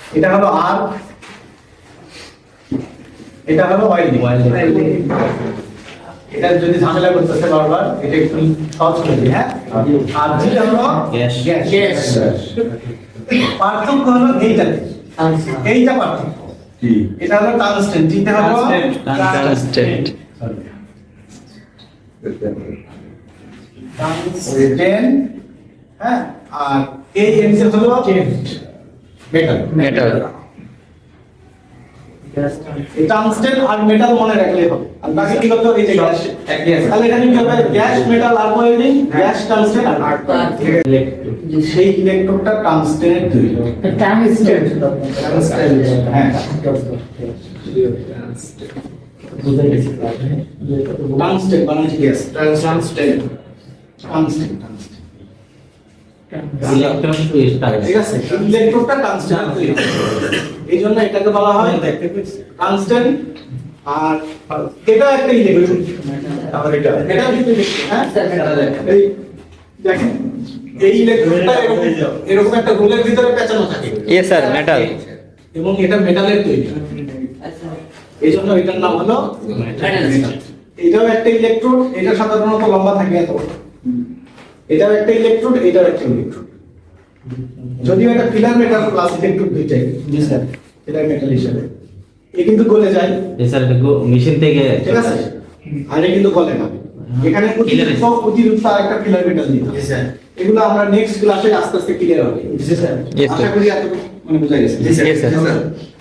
এটা হলো আর, এটা হলো ওয়েল্ডিং। এটা যদি ঝামেলা করতেছে বারবার, এটা একটু সহজ করে দিই। হ্যাঁ, আর যেটা হলো গ্যাস। পার্থক্য হলো এইটাতে, এইটা পার্থক্য। এটা হলো টাংস্টেন, যেটা হলো টাংস্টেন। টাংস্টেন, হ্যাঁ, আর এই এনসেল হলো মেটাল। মেটাল। টাংস্টেন আর মেটাল মনে রাখলে হবে, আর বাকি কি করতে হবে? এই যে গ্যাস, তাহলে এখানে কি হবে? গ্যাস, মেটাল, আর ওয়েল্ডিং, গ্যাস, টাংস্টেন আর সেই ইলেকট্রোডটা টাংস্টেনের তৈরি। টাংস্টেন, হ্যাঁ, টাংস্টেন মানে কি? গ্যাস, টাংস্টেন, টাংস্টেন, ঠিক আছে? ইলেকট্রোডটা টাংস্টেনের তৈরি, এই জন্য এটাকে বলা হয় টাংস্টেন। আর এটা একটা ইলেকট্রোড, আর এটা কিন্তু ইলেকট্রোড। হ্যাঁ, এই দেখেন, এই ইলেকট্রোডটা এরকম একটা রোলের ভিতরে পেঁচানো থাকে। Yes sir, metal. এবং এটা মেটালের তৈরি, এই জন্য এটার নাম হলো মেটাল। এটাও একটা ইলেকট্রোড, এটা সাধারণত লম্বা থাকে এত। এটাও একটা ইলেকট্রোড, এটাও একটা ইলেকট্রোড। যদিও এটা ফিলার মেটাল প্লাস ইলেকট্রোড দুইটাই। জি স্যার, ফিলার মেটাল হিসেবে এ কিন্তু গলে যায়। স্যার মেশিন থেকে, ঠিক আছে, আর এ কিন্তু গলে না। এখানে অতিরিক্ত আরেকটা ফিলার মেটাল দিতে হবে। এগুলো আমরা নেক্সট ক্লাসে আস্তে আস্তে ক্লিয়ার হবে। জি স্যার। আশা করি এতটুকু মানে বোঝা গেছে। Yes, sir.